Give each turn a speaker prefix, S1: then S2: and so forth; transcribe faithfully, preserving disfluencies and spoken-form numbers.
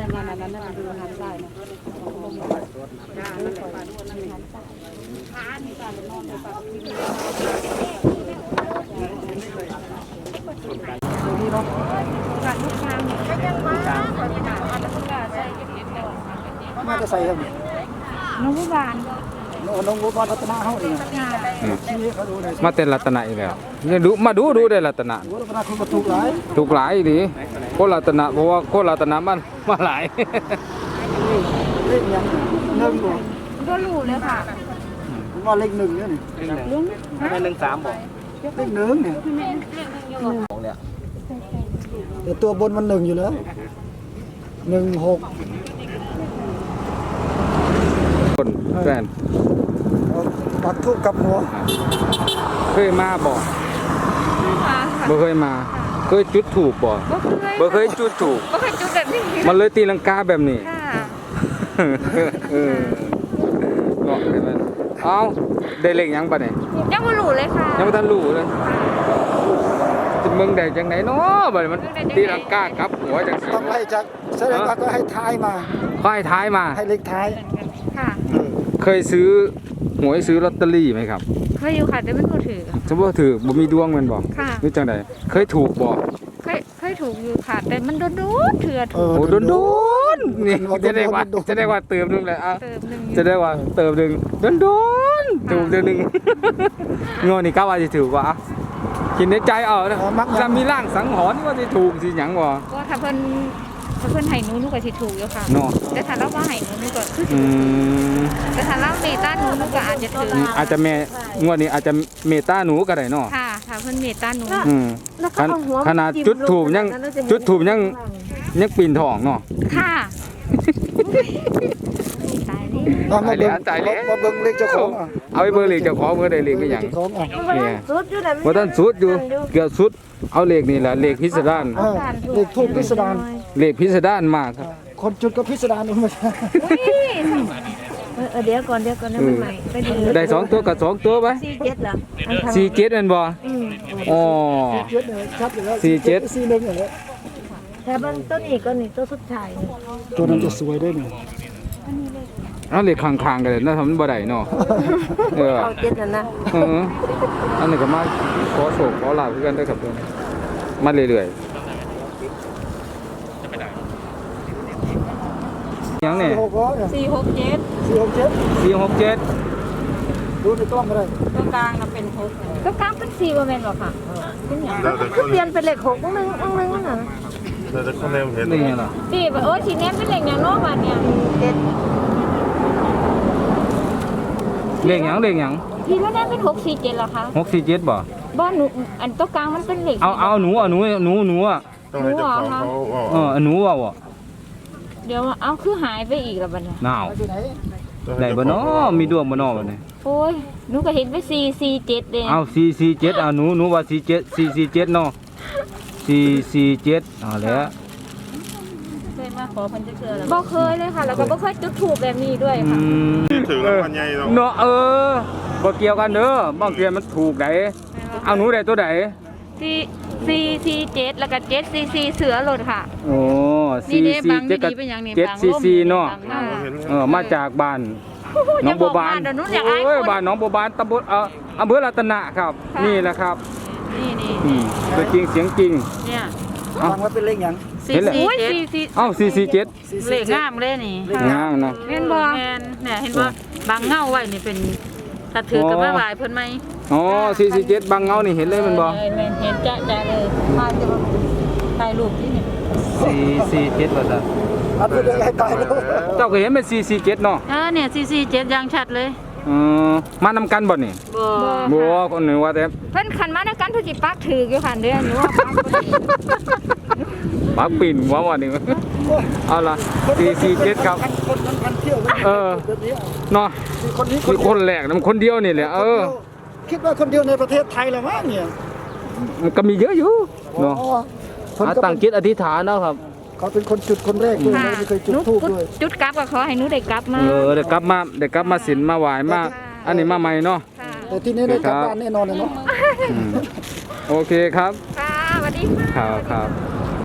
S1: นั่นนั่นนั่นนั่นดูหันซ้ายนะมาจะใส่ครับน้องผู้บานน้องผู้บานรัตนาเขาเอง
S2: มาเต้นรัตนะอีกแล้วนี่ดูมาดูดูได้รัตนะ
S1: รัตนาคนก็ถูกหลาย
S2: ถูกหลายดิโครัตนะเพราะว่าโครัตนะมันมาหลาย
S1: เลขยังหนึ่งบ่
S3: ก็รู้เลยค่ะ
S1: ว่าเลขหนึ่งเนี่ยนี่
S3: ลุง
S1: ไม่หนึ่งสามบ่เลขหนึ่งเนี่ยของเนี่ยแต่ตัวบนมันหนึ่งอยู่แล้วหนึ่งหก
S2: คนแฟน
S1: ปักทูบกับหัว
S2: เคยมาบ่บ่เคยมาเคยจุดถูกบ่บ่เคยจุดถูก
S3: บ่เคยจุดแบบนี้
S2: มันเลยตีลังกาแบบนี้เออเนาะได้มั้ยเอ้าได้เลขยังปะเนี่ย
S3: ยังบ่รู้เลยค่ะ
S2: ยังบ่ทันรู้เลยจะมึงได้จังไหนเนาะบัดมันตีลังกาครับหัวจังซี่
S1: ต้องไล่จากแสดงว่าก็ให้ท้ายมา
S2: ค่อยท้ายมา
S1: ให้เลขท้าย
S3: ค่ะ
S2: เคยซื้อหวยซื้อลอตเตอรี่ไหมครับ
S3: เคยอยู่ค่ะแต่ไม่ถูกถือ
S2: จะบ่ถือบ่มีดวงแม่นบ่
S3: ค่ะ
S2: นี่จังได๋เคยถูกบ่
S3: เคยเคยถูกอยู่ค่ะแต่มันโดนๆเถื่อถูก
S2: โอ้โดนๆนี่จะได้ว่าจะได้ว่าเติมนึงแหละอ่ะจะได้ว่าเติมนึงโดนๆถูกเดือนนึงงอนี่กะว่าสิถูกว่าคิดในใจเอานะจะมีร่างสังหรณ์ว่าสิถูกสิหยังบ่
S3: ก็ถ้าเพิ่นถ้าเพิ่นให้หนูหนูก็สิถูกอยู่ค่ะเนาะแต่ถ้าเราบ่ให้หนูหนูก็คืออืมแต่ถ้าเราเมตตาหนูหนูก็อาจจะถูก
S2: อาจจะแม่งวดนี้อาจจะเมตตาหนูก็ได้เนาะ
S3: ค่ะถ้าเพิ่นเมตตาหนู
S2: อืมขนาดจุดถูกยังจุดถูกยังยังปีนทองเนาะ
S3: ค่ะตาย
S1: แล้วตายแล้วมาเบิ่งเลขเจ้าของ
S2: เอาไปเบิ่งเลขเจ้าของเมื่อได้เลขก็หยังเนี่ยบ่ทันสุดอยู่เกือบสุดเอาเลขนี่แหละเลขพิสดาร
S1: เลขทูปพิสดาร
S2: เลขพิสดารมากครับ
S1: คนจุดก็พิสดารมา
S3: เออเดี๋ยวก่อนเดี๋ยวก่อนนะมันใหม่ไปดู
S2: ได้สองตัวกับสองตัวไป
S3: สี่เจ็ดเหรอ
S2: สี่เจ็ดนั่นบ่อ๋อสี่เจ็ด
S1: สี่หนึ่งเหรอ
S3: แต่บางต้นอีกก็นี่ต้นสุดท้าย
S1: ตัวนั้นจะสวยได้เนี่ย
S2: เอาเลขข้างๆกันเลยนะทำมันบ่ได้เนาะเออ
S3: เอาเจ็ดนั่นนะ
S2: เอออันนี้ก็มาขอโชคขอลาภกันด้วยครับทุกคนมาเรื่อยๆยังเนี่ย
S3: สี่หกเจ็ด
S1: สี่หกเจ็ด
S2: สี่หกเจ็ด
S1: ดูในกล้องก็ได้
S3: ตัวกลางน่ะเป็นหกตัวกลางเป็นสี่บ่แม่นหรอค่ะเป็นหยังก็เปลี่ยนเป็นเลขหกนึงนึงน่ะ
S4: แต่จะคนแนมเห็น
S2: นี่เหรอ
S3: สี่โอ้สีแนมเป็นเลขหยังเนาะบัดเนี่ยเจ็ด
S2: เลขหยังเลขหยัง
S3: ที่แล้วแนมเป็นหกสี่เจ็ดเหรอคะ
S2: หกสี่เจ็ดบ่
S3: บ่หนูอันตัวกลางมันเป็นเลข
S2: เอาเอาหนูอ่ะหนูหนูหนูอ่ะ
S4: ต้องให้เจ้าของเขา
S2: เออหนูอ่ะ
S3: เดี๋ยวเอาคือหายไปอีกแล้วบัดนี้
S2: หนาวได้บ่เนาะมีดวงบ่เนาะบัดนี้
S3: โอ้ยหนูก็เห็นไปสี่ สี่ เจ็ดเด้
S2: เอาสี่ สี่ เจ็ดเอาหนูหนูว่าสี่ เจ็ด สี่ สี่ เจ็ดเนาะสี่ สี่ เจ็ดเอาแล้ว
S3: เคยมาขอเพิ่นจักเทื่อแล้วบ่เคยเลยค่ะแล้วก็บ่เคยจุดธูปแบบนี้ด้วยค่ะ
S4: ถึงรางวัลใหญ่
S2: เนาะเออบ่เกี่ยวกันเด้อบางเทื่อมันถูกได้เอาหนูได้ตัวใด
S3: สี่ สี่ สี่ เจ็ดแล้วก็เจ็ด สี่ สี่เสือหล่นค่ะ
S2: โอ้สี่ สี่ เจ็ดกับเจ็ด สี่ สี่เนาะเออมาจากบ้านน้องบัวบานโอ้ยบ้านน้องบัวบานตำบลเอ่ออำเภอรัตนะครับนี่แหละครับ
S3: นี่นี่
S2: ตัวจริงเสียงจริง
S3: เนี่ย
S1: ฟังว่าเป็นเลขหยัง
S3: สี่ สี่ เจ็ด
S2: เอ้าสี่ สี่ เจ็ด
S3: เลขงามเลยนี่
S2: งามนะ
S3: เห็นบ่แม่นเนี่ยเห็นบ่บางเงาไว้นี่เป็นถ้าถือกับมาไหว้เพิ่นมั้ย
S2: อ๋อสี่ สี่ เจ็ดบางเงานี่เห็นเลยมันบ่
S3: เห็นจ๊ะจ๊ะเลยมาจะถ่ายรูปที่นี่
S2: สี่ สี่ เจ็ดว่าซั่น
S1: อันเป็นให้ตายแล้ว
S2: เจ้าก็เห็นเป็นสี่ สี่ เจ็ดเนาะ
S3: เออเนี่ยสี่ สี่ เจ็ดอย่างชัดเลย
S2: เออมานำกันบ่นี่
S3: บ่
S2: บ่คนนึงว่าแต่
S3: เพิ่นคันมานำกันเพิ่นสิปักถืออยู่คั่นเด้อหนูว่าปักบ่ดี
S2: ปักปิ่นว่าว่านี่เอาล่ะสี่ สี่ เจ็ดครับ
S1: คนนั้นพันเที่ยว
S2: เออเนาะ
S1: คนนี้
S2: คือคนแรกนำคนเดียวนี่แหละเออ
S1: คิดว่าคนเดียวในประเทศไทยแล้วมั้งเนี่ย
S2: มันก็มีเยอะอยู่เนาะตั้งจิตอธิษฐานเนาะครับ
S1: เขาเป็นคนจุดคนแรกด้วยไม่เคยจุดธูปด้วย
S3: จุดกลับก็ขอให้หนูได้กลับมา
S2: เออได้กลับมาได้กลับมาศีลมาไหว้มาอันนี้มาใหม่เนาะ
S1: แต่ที่นี้ได้กลับบ้านแน่นอนเลยเนาะ
S2: โอเคครับ
S3: ค่ะสวัสดี
S2: ค่ะครับ